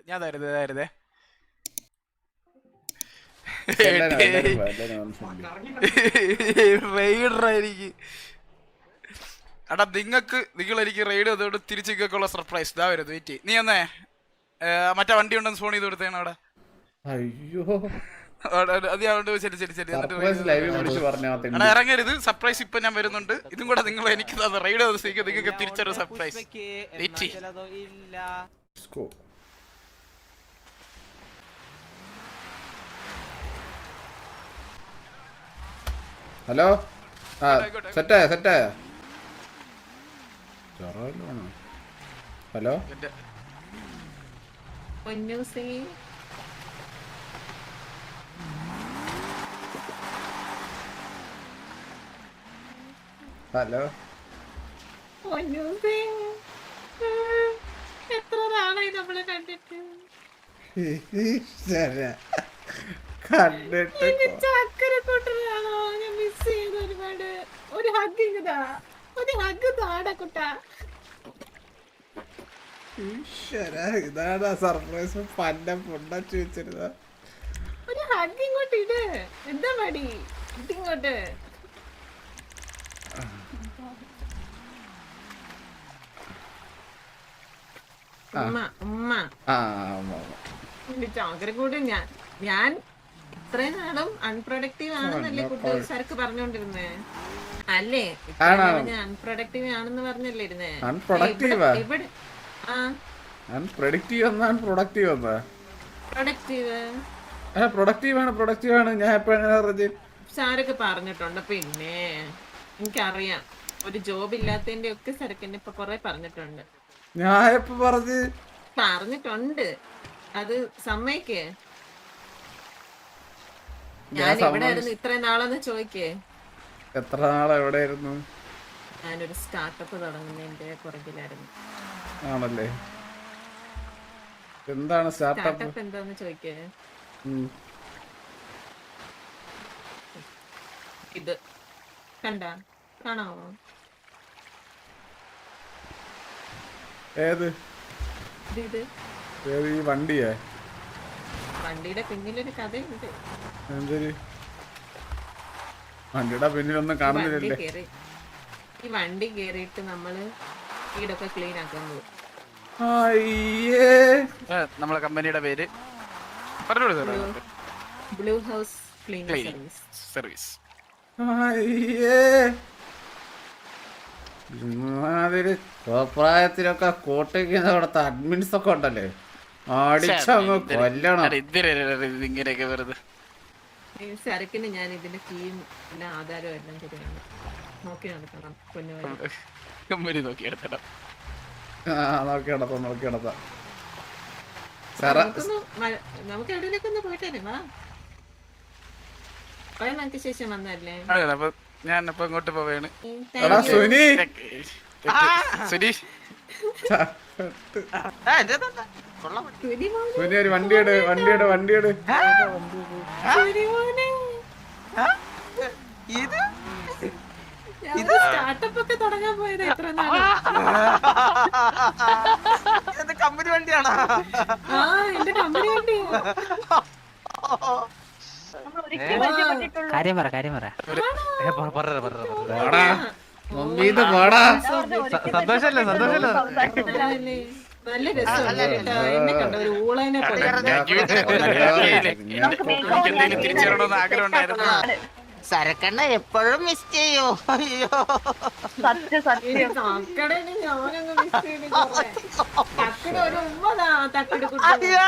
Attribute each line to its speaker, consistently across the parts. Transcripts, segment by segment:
Speaker 1: ഞാൻ തരുതേ റൈഡറായിരിക്കും. എടാ നിങ്ങൾ എനിക്ക് റൈഡ് ചെയ്തോണ്ട് തിരിച്ചേക്കുള്ള സർപ്രൈസ് ഇതാ വരുന്നത്. വെയിറ്റ് നീ എന്നേ മറ്റേ വണ്ടി ഉണ്ടെന്ന് ഫോൺ ചെയ്ത് കൊടുത്തേണ് അവിടെ.
Speaker 2: അയ്യോ
Speaker 1: ഇറങ്ങരുത്. സർപ്രൈസ് ഇപ്പൊ ഞാൻ വരുന്നുണ്ട്. ഇതും കൂടെ നിങ്ങൾ എനിക്ക് റൈഡ് ചെയ്ത സ്ഥിതിക്ക് നിങ്ങൾക്ക് തിരിച്ചൊരു സർപ്രൈസ്.
Speaker 2: ഹലോ സെറ്റായ ഹലോ ഹലോ
Speaker 3: എത്ര നാളായി നമ്മളെ കണ്ടിട്ട്. ചക്കരക്കൂട്ടനാണോ ഞാൻ മിസ് ചെയ്ത് ഒരുപാട്. ഒരു ഹഗ് താടാ കുട്ടാ.
Speaker 2: ഇതാണ് സർപ്രൈസ്. പന്ന പൊണ്ടച്ചു വെച്ചിരുന്ന
Speaker 3: ഒരു ഹഗ് ഇങ്ങോട്ട് ഇട്. എന്താ മടി ഇതിങ്ങോട്ട്. ചാകരക്കൂട് ഞാൻ ഇത്രയും നാളും അൺപ്രൊഡക്റ്റീവ് ആണെന്നല്ലേ സരക്ക് പറഞ്ഞോണ്ടിരുന്നേ അല്ലേ? ഞാൻ അൺപ്രൊഡക്റ്റീവ് ആണെന്ന് പറഞ്ഞല്ലേ ഇരുന്നേ. സാരൊക്കെ പറഞ്ഞിട്ടുണ്ട്. പിന്നെ എനിക്കറിയാം ഒരു ജോബ് ഇല്ലാത്തതിന്റെ ഒക്കെ സരക്കിന്റെ ഇപ്പൊ കൊറേ പറഞ്ഞിട്ടുണ്ട്. പറഞ്ഞിട്ടുണ്ട്. അത് സമ്മതിക്കേ? ഞാൻ എവിടെ ആയിരുന്നു ഇത്രയും നാളെന്ന് ചോദിക്കേ.
Speaker 2: എത്ര നാളെ എവിടെയായിരുന്നു?
Speaker 3: ഞാനൊരു സ്റ്റാർട്ടപ്പ് തുടങ്ങുന്നതിന്റെ പുറകിലായിരുന്നു.
Speaker 2: ആണല്ലേ? എന്താണ്
Speaker 3: സ്റ്റാർട്ടപ്പ് എന്താന്ന് ചോദിക്കേ. ഇത് കാണാമോ?
Speaker 2: ഏത് ഈ വണ്ടിയെ?
Speaker 3: വണ്ടിയുടെ പിന്നിലൊരു കഥയുണ്ട്.
Speaker 2: എന്തൊരു വണ്ടിയുടെ പിന്നിലൊന്നും കാണുന്നില്ലല്ലേ?
Speaker 3: ഈ വണ്ടി കേറിയിട്ട് നമ്മള് വീടൊക്കെ ക്ലീൻ ആക്കാൻ പോകും.
Speaker 1: നമ്മളെ കമ്പനിയുടെ പേര്
Speaker 3: ബ്ലൂ ഹൗസ് ക്ലീനിംഗ്
Speaker 1: സർവീസ്.
Speaker 2: പ്രായത്തിലൊക്കെ കോട്ടയ്ക്ക് അവിടത്തെ അഡ്മിൻസ് ഒക്കെ ഉണ്ടല്ലേ, അടിച്ചങ്ങ് കൊല്ലണം.
Speaker 1: ഇങ്ങനെയൊക്കെ വെറുതെ
Speaker 3: സരക്കിന് ഞാൻ ഇതിന്റെ കീയും പിന്നെ ആധാരവും എല്ലാം ശരിയാണ് നോക്കി നടക്കണം.
Speaker 1: കമ്പനി നോക്കി നടത്തണം.
Speaker 3: നമുക്ക് എവിടെയൊക്കെ ഒന്ന് പോയിട്ടേ വാ. നമുക്ക് ശേഷം വന്നല്ലേ.
Speaker 1: ഞാൻ ഇപ്പൊ ഇങ്ങോട്ട് പോവാണ്.
Speaker 2: ഒരു വണ്ടിയുടെ
Speaker 3: സ്റ്റാർട്ടപ്പ് ഒക്കെ തുടങ്ങാൻ പോയത് എത്ര നാളെ.
Speaker 1: കമ്പനി വണ്ടിയാണോ?
Speaker 3: ആ എന്റെ കമ്പനി വണ്ടി.
Speaker 4: കാര്യം പറ സന്തോഷല്ലേ
Speaker 3: നല്ല രസമുണ്ട്. എന്നെ കണ്ട ഒരു ഊളനെ പോലെ.
Speaker 1: തിരിച്ചറിയണമെന്ന് ആഗ്രഹം ഉണ്ടായിരുന്നു.
Speaker 5: സരക്കണ്ണ എപ്പോഴും മിസ് ചെയ്യോ. അയ്യോ
Speaker 3: തക്കടേന് ഞാനങ്ങ് മിസ് ചെയ്ത്. തക്കട ഒരു ഉമ്മതാ തക്കട കുട്ടി.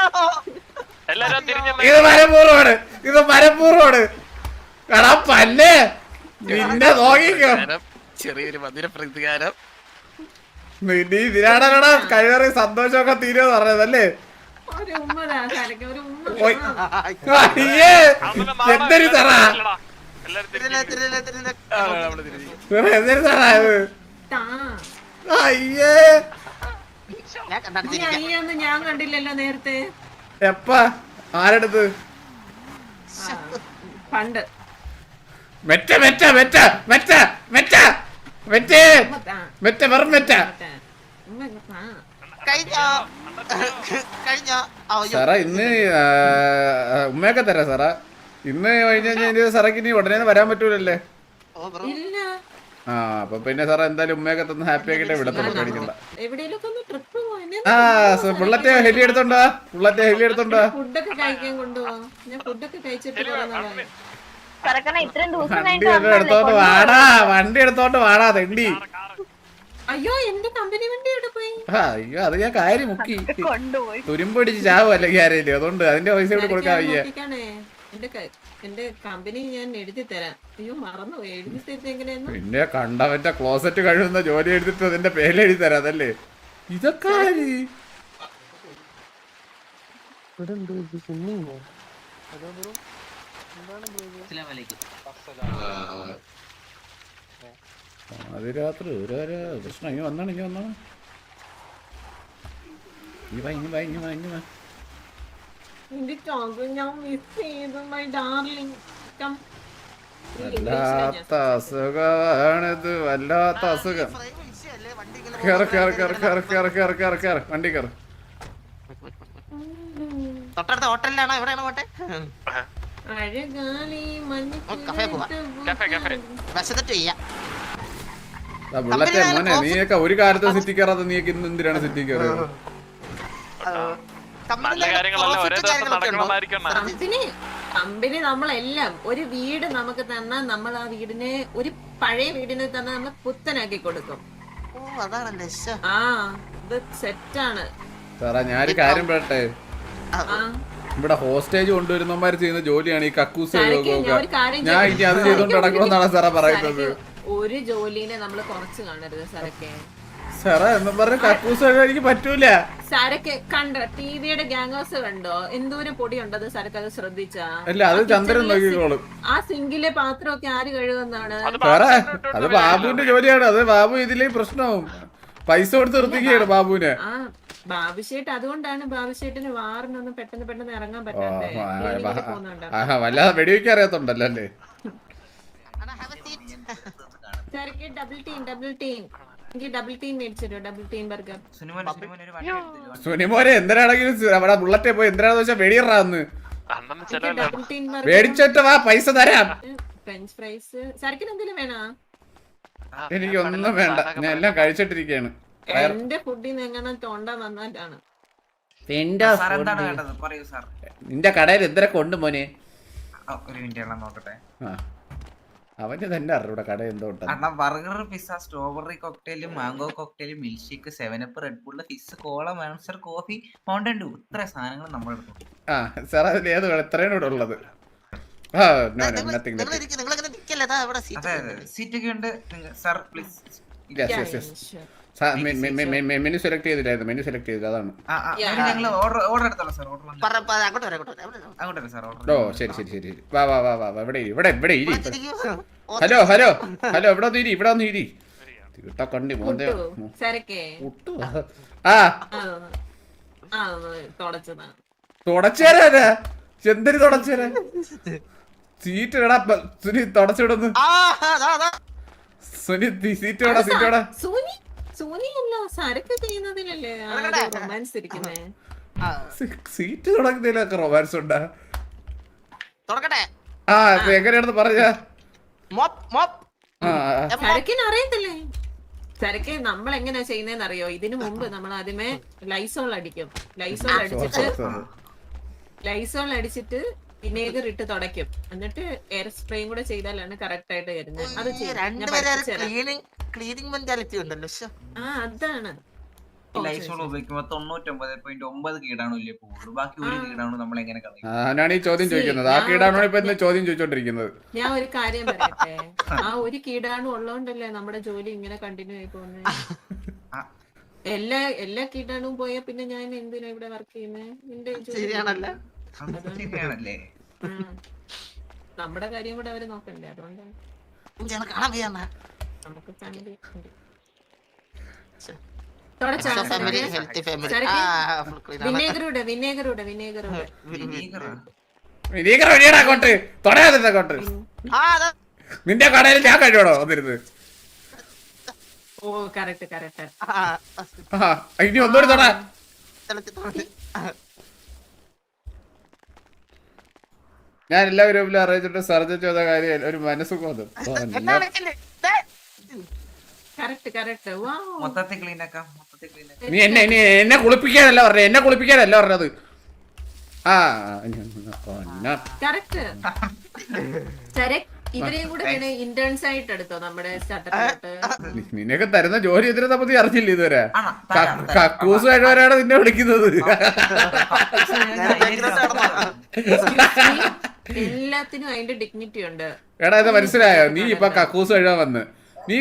Speaker 2: ഇത് മരപ്പൂർവ്വമാണ്. എടാ പല്ലേ നിന്നെ നോക്കിക്കോ.
Speaker 1: ചെറിയൊരു മധുര പ്രതികാരം.
Speaker 2: നീ ഇതിനാടാ കഴിവറി സന്തോഷമൊക്കെ തീരുമെന്ന് പറഞ്ഞതല്ലേ?
Speaker 3: ഒരു ഉമ്മതാ സരക്ക ഒരു ഉമ്മ.
Speaker 2: എന്തൊരു തറാ
Speaker 3: അയ്യൊന്നും ഞാൻ കണ്ടില്ലല്ലോ നേരത്തെ.
Speaker 2: എപ്പാ? ആരെടുത്ത്?
Speaker 3: പണ്ട്
Speaker 2: മെറ്റ മെറ്റ മെറ്റ മെറ്റ മെറ്റ മെറ്റ മെറ്റ വെറും മെറ്റ.
Speaker 5: കഴിഞ്ഞോ കഴിഞ്ഞോ അയ്യോ
Speaker 2: സാറാ ഇന്ന് ഉമ്മയൊക്കെ തരാം സാറാ. ഇന്ന് കഴിഞ്ഞ് കഴിഞ്ഞാൽ സാറേക്ക് ഇനി ഉടനെ വരാൻ പറ്റൂലല്ലേ?
Speaker 5: ഓ ബ്രോ
Speaker 3: ഇല്ല
Speaker 2: ആ അപ്പൊ പിന്നെ സാറേ എന്തായാലും ഉമ്മയൊക്കെ തന്ന് ഹാപ്പി ആക്കിട്ടേ വിടത്തുള്ളൂ, പേടിക്കണ്ട.
Speaker 3: എവിടെയെങ്കിലും ഒന്ന് ട്രിപ്പ് പോവാനെ
Speaker 2: ആ ബുള്ളറ്റ് ഹെലി എടുത്തോണ്ടാ, ബുള്ളറ്റ് ഹെലി എടുത്തോണ്ടാ.
Speaker 3: ഫുഡൊക്കെ കഴിക്കാൻ കൊണ്ടുപോവാ. ഞാൻ ഫുഡൊക്കെ കഴിച്ചിട്ട് കുറെ നാളായി.
Speaker 2: വണ്ടി എടുത്തോണ്ട് വാടാ, വണ്ടി എടുത്തോണ്ട് വാടാ തെണ്ടി.
Speaker 3: അയ്യോ എന്റെ കമ്പനി വണ്ടി എവിടെ പോയി?
Speaker 2: അയ്യോ അത് ഞാൻ കാര്യം മുക്കി തുരുമ്പടിച്ച് ചാവും അല്ലെങ്കിൽ ആരെയും, അതുകൊണ്ട് അതിന്റെ പൈസ ഇവിടെ കൊടുക്കാൻ വയ്യ.
Speaker 3: നോക്കിക്കാണേ, എന്റെ കമ്പനി ഞാൻ എഴുതി തരാം. അയ്യോ മറന്നു എഴുതി തരുന്നത് എങ്ങനെയാന്ന്.
Speaker 2: പിന്നെ കണ്ടവന്റെ ക്ലോസറ്റ് കഴിയുന്ന ജോലി എടുത്തിട്ട് അതിന്റെ പേര് എഴുതി തരാം അതല്ലേ ഇതൊക്കെ ആര്? അത് രാത്രി ഒരു പ്രശ്നം ഇനി വന്നാണ് ഇനി വന്നാണ്
Speaker 3: എന്റെ ചോക്ക് ഞാൻ മിസ് ചെയ്തു മൈ ഡാർലിംഗ്.
Speaker 2: വല്ലാത്ത അസുഖമാണിത്, വല്ലാത്ത അസുഖം. കേറ് കേറ് കേറ് കേറ് കേറ് കേറ് കേറ് കേറ് വണ്ടി കേറ്.
Speaker 5: തൊട്ടടുത്ത ഹോട്ടലിലാണോ എവിടെയാണോ പോട്ടെ?
Speaker 3: അഴകാലി
Speaker 5: കഫേ പോവാ. വിശന്നിട്ട് ചെയ്യാം.
Speaker 2: ബുള്ളറ്റെ മോനെ നീയൊക്കെ ഒരു കാലത്തും സിറ്റി കയറാതെ നീയൊക്കെ ഇന്ന് എന്തിനാണ് സിറ്റി കയറിയത്?
Speaker 3: കമ്പനി നമ്മളെല്ലാം ഒരു വീട് നമുക്ക് തന്നാൽ നമ്മൾ ആ വീടിനെ ഒരു പഴയ വീടിനെ തന്നെ നമ്മൾ പുത്തനാക്കി കൊടുക്കും.
Speaker 5: ഓ അതാണല്ലേ.
Speaker 3: ആ ഇത് സെറ്റാണ്
Speaker 2: സാറാ ഞാനൊരു കാര്യം പറയട്ടെ, ഇവിടെ ഹോസ്റ്റേജ് കൊണ്ടുവരുന്നവന്മാര് ചെയ്യുന്ന ജോലിയാണ് ഈ കക്കൂസ്. ഞാൻ ഇനി അത് ചെയ്തോണ്ട് നടക്കണമെന്നാണ് സാറാ പറയുന്നത്.
Speaker 3: ഒരു ജോലിനെ നമ്മൾ കുറച്ച് കാണരുത് സാറൊക്കെ.
Speaker 2: സാറാ എന്ന് പറഞ്ഞ കക്കൂസ് എനിക്ക് പറ്റൂല.
Speaker 3: സാരൊക്കെ കണ്ടോ ടിവിയുടെ ഗ്യാങ് ഹൗസ് കണ്ടോ? എന്തോരം പൊടി ഉണ്ടത് സാരൊക്കെ അത് ശ്രദ്ധിച്ചാ?
Speaker 2: അല്ല അത് ചന്ദ്രൻ നോക്കിക്കോളും.
Speaker 3: ആ സിങ്കിലെ പാത്രമൊക്കെ ആര് കഴുകുന്നതാണ്?
Speaker 2: സാറേ അത് ബാബുവിന്റെ ജോലിയാണ്. അത് ബാബു ഇതിലേ പ്രശ്നവും പൈസ കൊടുത്ത് നിർത്തിക്കുകയാണ് ബാബുവിനെ.
Speaker 3: ആ ബാബുശേട്ട് അതുകൊണ്ടാണ് ബാബുശേട്ടിന് വാറിനൊന്നും പെട്ടെന്ന് ഇറങ്ങാൻ പറ്റാതെ
Speaker 2: വല്ലാതെ വെടിവെക്കാൻ അറിയാത്തോണ്ടല്ലോ അല്ലേ?
Speaker 3: ഡബിൾ ടീം എനിക്ക് ഡബിൾ ടീം മേടിച്ചിട്ടോ, ഡബിൾ ടീം ബർഗർ.
Speaker 2: സുനിമോനെ എന്തിനാണെങ്കിലും അവിടെ ബുള്ളറ്റെ പോയി എന്തിനാന്ന് വെച്ചാൽ വെടിയറാന്ന്
Speaker 3: ഡബിൾ ടീം ബർഗർ
Speaker 2: മേടിച്ചിട്ട് വാ, പൈസ തരാം.
Speaker 3: ഫ്രഞ്ച് ഫ്രൈസ് സരക്കിന് എന്തെങ്കിലും വേണോ?
Speaker 2: എനിക്കൊന്നും വേണ്ട, ഞാൻ എല്ലാം കഴിച്ചിട്ടിരിക്കയാണ്.
Speaker 3: എന്റെ ഫുഡിൽ എങ്ങനെ തോണ്ട വന്നിട്ടാണ്.
Speaker 2: നിന്റെ കടയിൽ എന്തൊക്കെ ഉണ്ട് മോനെ?
Speaker 4: ഒരു മിനിറ്റ് നോക്കട്ടെ.
Speaker 2: അവന് തന്നെ അറിയൂടെ കട എന്തോ
Speaker 4: അണ്ണാ burger, pizza, strawberry cocktail, mango cocktail, milk shake, 7up, Red Bull, fizz, cola, Monster, coffee, Mountain Dew, ഇത്ര സാധനങ്ങൾ നമ്മൾ എടുത്തു.
Speaker 2: ആ സാർ അതിൽ ഏത് എത്രയാണ് ഇവിടെ ഉള്ളത്?
Speaker 4: സീറ്റൊക്കെ ഉണ്ട് സാർ, പ്ലീസ്.
Speaker 2: മെനു സെലക്ട് ചെയ്തില്ലായിരുന്നു, മെനു സെലക്ട് ചെയ്തില്ല അതാണ്.
Speaker 4: ഞങ്ങൾ ഓർഡർ എടുത്തോളാം സാർ. അങ്ങോട്ട് സാർ ഓർഡർ.
Speaker 2: ഓ ശരി ശരി ശരി വാ വാ വാ വാ ഇവിടെ ഇവിടെ ഇവിടെ ഇരി. ഹലോ ഹലോ ഹലോ ഇവിടെ ഒന്ന് ഇരി, ഇവിടെ ഒന്ന് ഇരി. കണ്ടി മോന്റെ തുടച്ചേരാ എന്തിന് തുടച്ചേരാ? സീറ്റ് ഇടാ സുനി, തുടച്ചിടുന്നു സുനി. സീറ്റ് ഇടാ, സീറ്റ് ഇടാ. സീറ്റ് തുടങ്ങുന്നതിലൊക്കെ റൊമാൻസ് ഉണ്ടാ? ആ എങ്ങനെയാണെന്ന് പറഞ്ഞാ?
Speaker 3: അറിയത്തില്ലേ സരക്ക് നമ്മൾ എങ്ങനെയാ ചെയ്യുന്നതെന്ന് അറിയോ? ഇതിനു മുമ്പ് നമ്മൾ ആദ്യമേ ലൈസോൾ അടിക്കും. ലൈസോൾ അടിച്ചിട്ട് വിനേഗർ ഇട്ട് തുടയ്ക്കും. എന്നിട്ട് എയർ സ്പ്രേയും കൂടെ ചെയ്താലാണ് കറക്റ്റ് ആയിട്ട് വരുന്നത്. അത് അതാണ്
Speaker 4: ലൈസോൾ ഉപയോഗിക്കുമ്പോ 99.9 കീടാണുല്ലേ പോകുള്ളൂ. ബാക്കി ഒരു കീടാണു നമ്മൾ എങ്ങനെ കളയും?
Speaker 2: ഞാനാണ് ഈ ചോദ്യം ചോദിക്കുന്നത്. ആ കീടാണു ഇപ്പൊ ചോദ്യം ചോദിച്ചോണ്ടിരിക്കുന്നത്.
Speaker 3: ഞാൻ ഒരു കാര്യം പറയട്ടെ, ആ ഒരു കീടാണു ഉള്ളതുകൊണ്ടല്ലേ നമ്മുടെ ജോലി ഇങ്ങനെ കണ്ടിന്യൂ ആയി പോകുന്നത്. എല്ലാ കീടാണും പോയാ പിന്നെ ഞാൻ എന്തിനാ ഇവിടെ വർക്ക് ചെയ്യുന്നത്? എന്റെ
Speaker 4: ശരിയാണല്ലേ?
Speaker 3: നമ്മുടെ കാര്യം കൂടെ അവര് നോക്കണ്ടേ? അതുകൊണ്ടാണ് നമുക്ക് ഫാമിലി
Speaker 2: നിന്റെ കടയിൽ ഞാൻ കഴിയണോ വന്നിരുന്നത്?
Speaker 3: ഓ കറക്റ്റ് കറക്റ്റ്.
Speaker 2: ഇനി ഒന്നുകൂടി തൊടാ. ഞാൻ എല്ലാ ഗ്രൂപ്പിലും അറിയിച്ചിട്ട് സർജൻ ചെയ്ത കാര്യം ഒരു മനസ്സുഖം വന്നു.
Speaker 3: Correct correct.
Speaker 4: മൊത്തത്തിൽ ക്ലീൻ ആക്കാം.
Speaker 2: നീ എന്നെ കുളിപ്പിക്കാനല്ല പറഞ്ഞത്, എന്നെ കുളിപ്പിക്കാനല്ല പറഞ്ഞത്. ആ
Speaker 3: കറക്റ്റ്. ഇവരെയും കൂടെ ഇന്റേൺസ് ആയിട്ട് എടുത്തോ നമ്മുടെ സ്റ്റാർട്ടപ്പിലോട്ട്.
Speaker 2: നിനക്ക് തരുന്ന ജോലി എതിരെ പറ്റി അറിഞ്ഞില്ല ഇതുവരെ. കക്കൂസ് കഴിവരാണ് നിന്നെ വിളിക്കുന്നത്.
Speaker 3: എല്ലാത്തിനും അതിന്റെ ഡിഗ്നിറ്റി ഉണ്ട്.
Speaker 2: എടാ ഇത് മനസ്സിലായോ? നീ ഇപ്പൊ കക്കൂസ് കഴിവാൻ വന്ന് നീ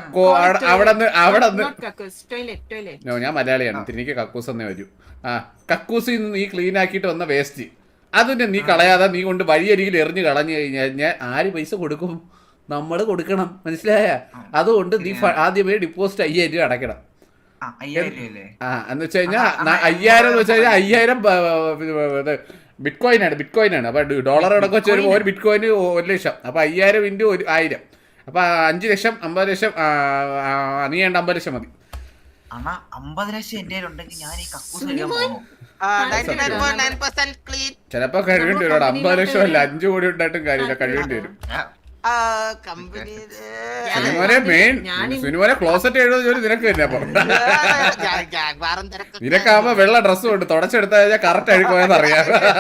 Speaker 2: ഞാൻ മലയാളിയാണ്, എനിക്ക് കക്കൂസ് എന്നേ വരൂ. ആ കക്കൂസിൽ നിന്ന് നീ ക്ലീൻ ആക്കിയിട്ട് വന്ന വേസ്റ്റ് അതിന്റെ നീ കളയാതെ നീ കൊണ്ട് വഴിയരികിൽ എറിഞ്ഞു കളഞ്ഞു കഴിഞ്ഞാൽ ഞാൻ ആര് പൈസ കൊടുക്കും? നമ്മൾ കൊടുക്കണം, മനസ്സിലായ? അതുകൊണ്ട് നീ ആദ്യമേ ഡിപ്പോസിറ്റ് 5000 രൂപ അടയ്ക്കണം. എന്ന് വെച്ച് കഴിഞ്ഞാൽ 5000 എന്ന് വെച്ച് കഴിഞ്ഞാൽ 5000 ബിറ്റ് കോയിൻ ആണ്. അപ്പൊ ഡോളർ അടക്കം വെച്ച് വരുമ്പോൾ ഒരു ബിറ്റ് കോയിന് 1 ലക്ഷം. അപ്പൊ 5000 × 1000 അപ്പൊ 5 ലക്ഷം 50 ലക്ഷം. നീ വേണ്ട 50 ലക്ഷം മതി.
Speaker 4: 50 ലക്ഷം എന്റെ ഉണ്ടെങ്കിൽ ഞാൻ ഈ കക്കൂസ്
Speaker 2: ചിലപ്പോ കഴിവേണ്ടി വരും. 50 ലക്ഷം അല്ല 5 കോടി ഉണ്ടായിട്ടും കാര്യമില്ല, കഴിവേണ്ടി വരും. സിനിമോനെ മെയിൻ സിനിമോനെ ക്ലോസറ്റ് എഴുതുന്ന ജോലി നിനക്ക് തന്നെ. അപ്പൊ നിനക്കാവുമ്പോ വെള്ള ഡ്രസ്സും ഉണ്ട്, തുടച്ചെടുത്താൽ കഴിഞ്ഞാൽ കറക്റ്റ് അഴുക്ക് പോയെന്ന് അറിയാം.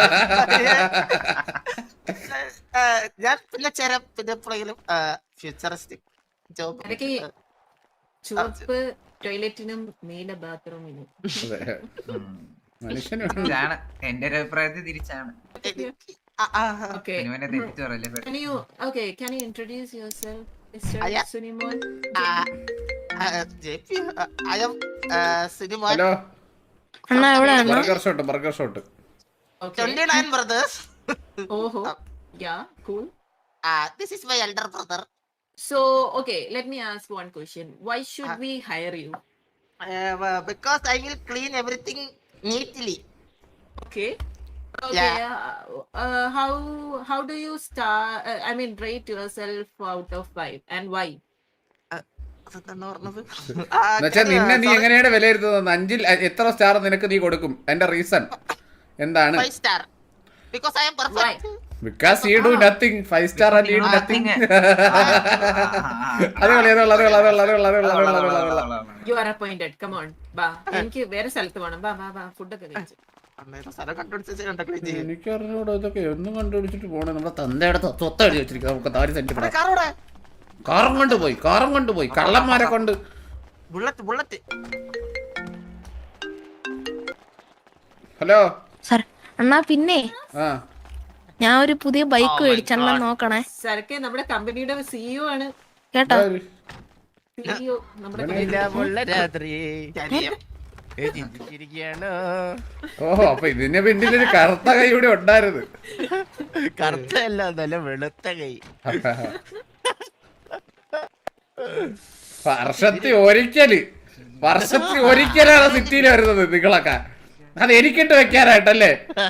Speaker 5: ഞാൻ പിന്നെ എപ്പോഴെങ്കിലും ഫ്യൂച്ചറിസ്റ്റിക് ജോബ്.
Speaker 3: ചുവപ്പ് ടോയ്ലറ്റിനും നീല ബാത്റൂമിനും.
Speaker 4: മനുഷ്യനാണ്. എന്റെ ഒരു അഭിപ്രായത്തിൽ തിരിച്ചാണ്.
Speaker 3: Okay. Can you introduce yourself, Mr. Sunimon?
Speaker 5: JP, I am Sunimon.
Speaker 2: Hello
Speaker 6: അണ്ണാ എവിടെയാണ്?
Speaker 2: Burger shot.
Speaker 5: 29 brothers.
Speaker 3: Oh, yeah, cool.
Speaker 5: This is my elder brother.
Speaker 3: So, okay, let me ask one question. Why should we hire you?
Speaker 5: Because I will clean everything neatly.
Speaker 3: Okay. Okay.
Speaker 5: Yeah.
Speaker 3: How do you rate yourself out of 5 and why?
Speaker 2: എന്നുവെച്ചാൽ നിന്നെ നീ എങ്ങനെയാണ് വിലയിരുത്തുന്നത്? 5ൽ എത്ര star നിനക്ക് നീ കൊടുക്കും? എന്റെ റീസൺ എന്താണ്?
Speaker 5: 5 star. Because I am perfect.
Speaker 2: Because you do nothing. 5 star and you do nothing.
Speaker 3: You are appointed. Come on. Ba. എനിക്ക് വേറെ സ്ഥലത്ത് വേണം. ബാ ഫുഡ് ഒക്കെ കഴിച്ചു.
Speaker 2: എനിക്കറിഞ്ഞൂടെ ഇതൊക്കെ ഒന്നും കണ്ടുപിടിച്ചിട്ട് പോണേ. നമ്മുടെ തന്തയുടെ സ്വത്ത് എഴുതി വെച്ചിരിക്കുക. നമുക്ക് 4 സെന്റ് കാറും കൊണ്ടുപോയി കള്ളന്മാരെ കൊണ്ട്.
Speaker 5: ബുള്ളറ്റ്.
Speaker 2: ഹലോ
Speaker 6: സാർ അണ്ണാ പിന്നെ
Speaker 2: ആ
Speaker 6: ഞാൻ ഒരു പുതിയ ബൈക്ക് മേടിച്ചണ്ണ നോക്കണേ.
Speaker 3: സരക്കെ നമ്മുടെ കമ്പനിയുടെ സിഇഒ ആണ്
Speaker 6: കേട്ടോ.
Speaker 3: സിഇഒ നമ്മുടെ
Speaker 2: ഓഹോ, അപ്പൊ ഇതിന്റെ പിന്നിലൊരു കറുത്ത കൈ കൂടി ഉണ്ടായിരുന്നു.
Speaker 7: കറുത്തല്ല, നല്ല വെളുത്ത കൈ.
Speaker 2: വർഷത്തിൽ ഒരിക്കലാണ് സിറ്റിയിൽ വരുന്നത് നിങ്ങളൊക്കെ. അത് എനിക്കിട്ട് വെക്കാനായിട്ടല്ലേ?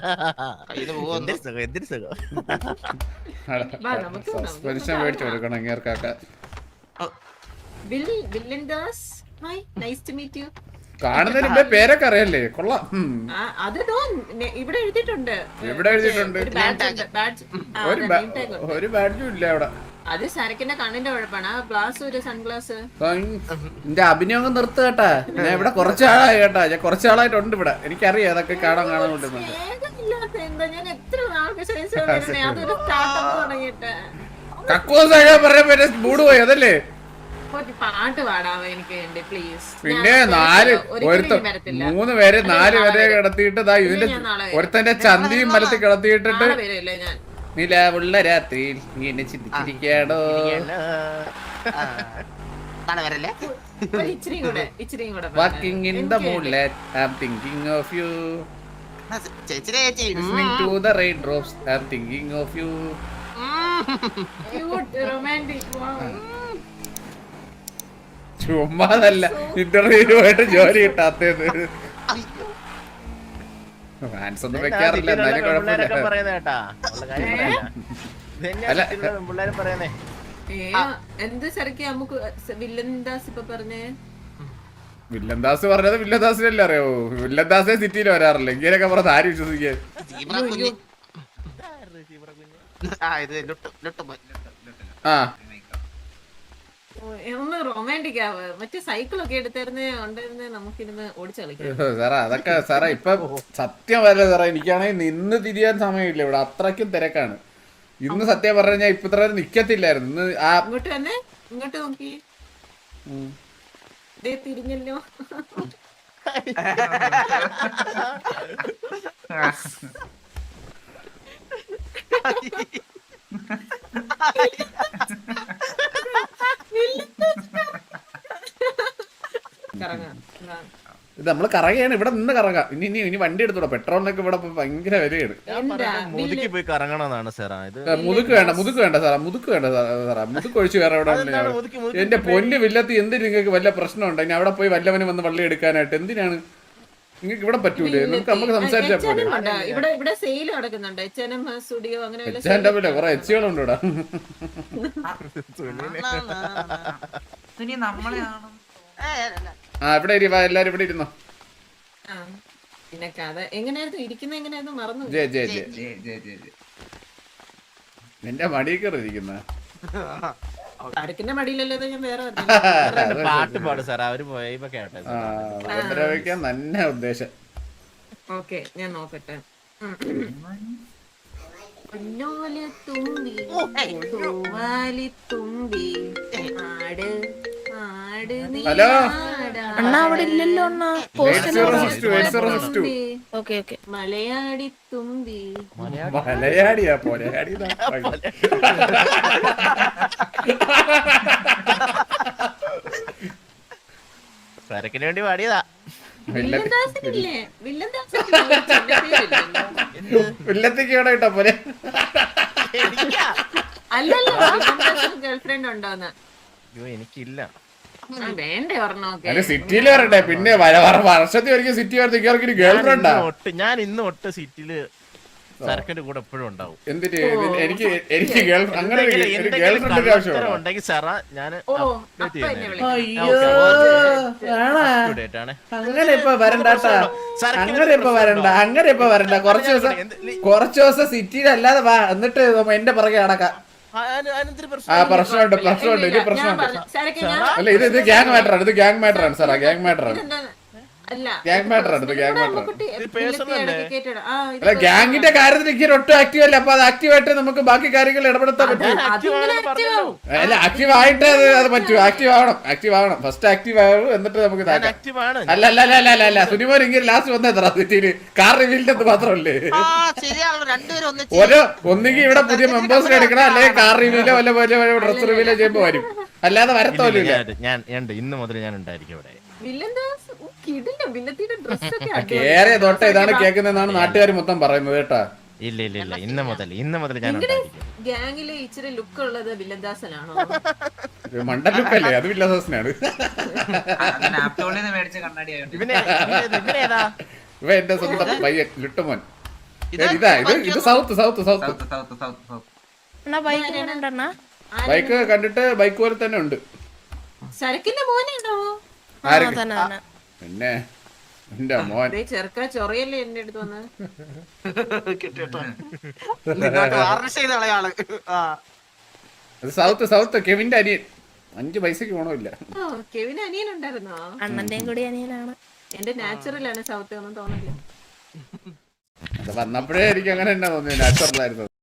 Speaker 2: സസ്പെൻഷൻ മേടിച്ചു കൊടുക്കണം ഇങ്ങേർക്കൊക്കെ. കാണുന്നതിന് മുമ്പേ പേരൊക്കെ അറിയല്ലേ? കൊള്ളാം.
Speaker 3: ഇവിടെ എഴുതിയിട്ടുണ്ട്.
Speaker 2: ഒരു ബാഡ്ജും ഇല്ല അവിടെ.
Speaker 3: അത് സരക്കിന്റെ കണ്ണിന്റെ കുഴപ്പമാണ്. ഗ്ലാസ് ഒരു സൺഗ്ലാസ്.
Speaker 2: എന്റെ അഭിനയം നിർത്ത് കേട്ടാ. ഞാൻ ഇവിടെ കുറച്ചാളായി കേട്ടാ. ഞാൻ കുറച്ചാളായിട്ടുണ്ട് ഇവിടെ. എനിക്കറിയാം അതൊക്കെ കാണാൻ കൊണ്ടുവരുന്നുണ്ട്.
Speaker 3: ഞാൻ എത്ര നാൾക്ക് ശേഷം അതൊരു സ്റ്റാർട്ടപ്പ് തുടങ്ങിയിട്ട്
Speaker 2: കക്കൂസ് പറയാൻ മൂട് പോയി അതല്ലേ?
Speaker 3: പാട്ട് പാടാമോ എനിക്ക് വേണ്ടി പ്ലീസ്?
Speaker 2: പിന്നെ 3 പേരെ 4 പേരെ കിടത്തിയിട്ട് ഇതിന്റെ ഒരുത്തന്റെ ചന്തിയും മലത്തിൽ കിടത്തിയിട്ടിട്ട് നിലവുള്ള രാത്രിയിൽ നീ എന്നെ ചിന്തിച്ചിരിക്കാടോ. Walking in the moonlight, I'm thinking of you. Listening to the raindrops, I'm thinking of you. ചുമ്മാതല്ല, ഇന്റർവ്യൂവായിട്ട് ജോലി കിട്ടാത്തത്. ഫാൻസ് ഒന്നും വെക്കാറില്ല, എന്നാലും കുഴപ്പമില്ല.
Speaker 3: എന്ത് ശരിക്ക് നമുക്ക് വില്ലൻദാസ് ഇപ്പൊ പറഞ്ഞേ?
Speaker 2: വില്ലന്ദാസ് പറഞ്ഞത് വില്ലന്ദാസിനല്ലേ അറിയോ? വില്ലന്ദാസേ സിറ്റിയിൽ വരാറില്ല. ഇങ്ങനെയൊക്കെ പറഞ്ഞത് ആര് വിശ്വസിക്കാൻ? ആ
Speaker 3: ഒന്ന് റൊമാൻറ്റിക് ആവ്. മറ്റേ സൈക്കിളൊക്കെ എടുത്തിരുന്നേ ഉണ്ടായിരുന്നേ നമുക്കിരുന്ന് ഓടിച്ചു കളിക്കാം.
Speaker 2: സാറേ അതൊക്കെ സാറേ ഇപ്പൊ സത്യം വരല്ലേ സാറേ, എനിക്കാണെങ്കിൽ നിന്ന് തിരിയാൻ സമയമില്ല ഇവിടെ, അത്രയ്ക്കും തിരക്കാണ്. ഇന്ന് സത്യം പറഞ്ഞ ഞാൻ ഇപ്പൊ ഇത്ര നിക്കത്തില്ലായിരുന്നു. ഇന്ന് ആ
Speaker 3: ഇങ്ങോട്ട് തന്നെ, ഇങ്ങോട്ട് നോക്കി തിരിഞ്ഞല്ലോ. കറങ്ങാം.
Speaker 2: ഇത് നമ്മള് കറങ്ങയാണ്, ഇവിടെ നിന്ന് കറങ്ങാം. ഇനി വണ്ടി എടുത്തോളൂ, പെട്രോളിനൊക്കെ ഇവിടെ ഇപ്പൊ ഭയങ്കര വിലയാണ്.
Speaker 7: മുതുക്കി പോയി കറങ്ങണമെന്നാണ് സാറാ ഇത്.
Speaker 2: മുതുക്ക് വേണ്ട സാറാ, മുതുക്ക് വേണ്ട സാറാ, മുതുക്ക് ഒഴിച്ച് വേറെ എവിടെ എന്റെ പൊന്ന് വില്ലത്തി എന്തിന് നിങ്ങൾക്ക് വല്ല പ്രശ്നമുണ്ടോ? ഇനി അവിടെ പോയി വല്ലവന് വന്ന് വള്ളി എടുക്കാനായിട്ട് എന്തിനാണ് നിങ്ങൾക്ക് ഇവിടെ പറ്റൂലേ? നമുക്ക് സംസാരിച്ചാ പോലെ.
Speaker 3: ഇവിടെ സെയിൽ നടക്കുന്നുണ്ട്. H&M സ്റ്റുഡിയോ അങ്ങനെ
Speaker 2: കുറെ എച്ചികളുണ്ട് ഇവിടെ.
Speaker 4: നമ്മളെയാണ്
Speaker 2: ആ ഇവിടെ എല്ലാരും ഇവിടെ ഇരുന്നോ.
Speaker 3: പിന്നെ കഥ എങ്ങനെയായിരുന്നു ഇരിക്കുന്ന, എങ്ങനെയായിരുന്നു മറന്നു.
Speaker 2: ജയ ജയ ജയ നിന്റെ മടിയിൽ കയറി ഇരിക്കുന്ന
Speaker 3: അടുക്കിന്റെ മടിയിലല്ലോ ഞാൻ വേറെ
Speaker 7: പാട്ട് പാടും സാർ, അവര് പോയപ്പോ കേട്ടെ.
Speaker 2: ഉപദ്രവിക്കാൻ തന്നെ ഉദ്ദേശം.
Speaker 3: ഓക്കെ ഞാൻ നോക്കട്ടെ. തുമ്പി തുമ്പി ആട് ആട് നീ
Speaker 2: ഹലോ
Speaker 6: അണ്ണാ അവിടെ ഇല്ലല്ലോ അണ്ണാ. പോസ്റ്റൽ
Speaker 2: 806.
Speaker 6: Okay okay.
Speaker 3: മലയാടി തുമ്പി
Speaker 2: മലയാടിയാ പോലയാടി
Speaker 7: സരക്കിന് വേണ്ടി പാടിയതാ.
Speaker 3: വില്ലന്ദാസിനില്ലേ? വില്ലന്ദാസിനില്ലല്ലോ.
Speaker 2: വില്ലത്തേക്ക് ഇവിടെ കിട്ടാ പോലെ.
Speaker 3: അല്ലല്ലോ ഗേൾഫ്രണ്ട് ഉണ്ടോന്ന്?
Speaker 7: അയ്യോ എനിക്കില്ല.
Speaker 3: വേണ്ടേ പറഞ്ഞോക്കെ.
Speaker 2: അല്ല സിറ്റിയിൽ വരട്ടെ, പിന്നെ വർഷത്തിൽ ഒരിക്കൽ സിറ്റി വരത്തേക്ക് ഗേൾ ഫ്രണ്ടാ.
Speaker 7: ഞാൻ ഇന്ന് ഒട്ട് സിറ്റിയില് സരക്കിന്റെ കൂടെ എപ്പോഴും ഉണ്ടാവും.
Speaker 2: എന്തിട്ട് എനിക്ക് അങ്ങനെ ഗേൾ ഫ്രണ്ടിന്റെ ആവശ്യമാണ്
Speaker 7: ഉണ്ടെങ്കിൽ സാറാ ഞാൻ
Speaker 2: അങ്ങനെ ഇപ്പൊ വരണ്ടാട്ടാ. അങ്ങനെ ഇപ്പൊ വരണ്ട. കുറച്ച് ദിവസം സിറ്റിയിൽ അല്ലാതെ വാ, എന്നിട്ട് എന്റെ പുറകെ അടക്കാം. പ്രശ്നമുണ്ട് ഇത് പ്രശ്നമുണ്ട്. അല്ല ഇത് ഗ്യാങ് മാറ്ററാണ്, ഇത് ഗ്യാങ് മാറ്ററാണ് സാറാ, ഗ്യാങ് മാറ്ററാണ്. ഗ്യാങ് മാറ്ററാണ് ഇത്, ഗ്യാങ് മാറ്ററാണ്. അല്ല ഗ്യാങ്ങിന്റെ കാര്യത്തിൽ എനിക്ക് ഒട്ടും ആക്റ്റീവ് അല്ല. അപ്പൊ അത് ആക്റ്റീവ് ആയിട്ട് നമുക്ക് ബാക്കി കാര്യങ്ങൾ ഇടപെടുത്താൻ പറ്റും. അല്ല ആക്റ്റീവ് ആയിട്ട് അത് പറ്റും. ആക്റ്റീവ് ആവണം ഫസ്റ്റ് ആക്റ്റീവ് ആവും, എന്നിട്ട് നമുക്ക് അല്ല സുനിമോൻ ഇങ്ങനെ ലാസ്റ്റ് വന്നെത്ര സിറ്റിയില് കാർ റിവീലിന്റെ മാത്രമല്ലേ. ഒന്നുകിൽ ഇവിടെ പുതിയ മെമ്പേഴ്സിനെ എടുക്കണം, അല്ലെങ്കിൽ കാർ റിവീലോ വല്ല ഡ്രസ് റിവീലോ ചെയ്യുമ്പോ വരും, അല്ലാതെ വരത്തോലില്ല.
Speaker 7: ഞാൻ ഇന്ന് മുതൽ ഞാൻ ഉണ്ടായിരിക്കും ഇവിടെ.
Speaker 2: കേറിയ തൊട്ട ഇതാണ് കേൾക്കുന്നതെന്നാണ് നാട്ടുകാർ മൊത്തം പറയുന്നത് കേട്ടാ.
Speaker 7: ഇല്ല ഇന്ന് മുതൽ ഞാൻ ഉണ്ടായിരിക്കും.
Speaker 3: ഗ്യാങ്ങില് ഇച്ചിരി ലുക്ക് ഉള്ളത് വില്ലന്ദാസനാണോ?
Speaker 2: മണ്ട ലുക്കല്ലേ, അത് വില്ലദാസനാണ്. ഇവ എന്റെ സ്വന്തം പയ്യൻ ലുട്ടുമോൻ. ഇത് സൗത്ത്. ബൈക്ക് കണ്ടിട്ട് ബൈക്ക് പോലെ തന്നെ ഉണ്ട്.
Speaker 3: സരക്കിന്റെ മോനാണോ?
Speaker 2: പിന്നെ എന്റെ മോൻ
Speaker 3: ചെറുക്ക ചൊറയല്ലേ എന്റെ അടുത്ത് വന്ന്.
Speaker 2: സൗത്ത് കെവിന്റെ അനിയൻ. 5 പൈസക്ക് ഗുണമില്ല.
Speaker 3: കെവിന് അനിയൻ ഉണ്ടായിരുന്നോ?
Speaker 6: അണ്ണന്റെയും കൂടി അനിയനാണ്.
Speaker 3: എന്റെ നാച്ചുറൽ ആണ് സൗത്ത് ഒന്നും തോന്നില്ല.
Speaker 2: അത് വന്നപ്പോഴേ എനിക്ക് അങ്ങനെ തന്നെ തോന്നി, നാച്ചുറൽ ആയിരുന്നു.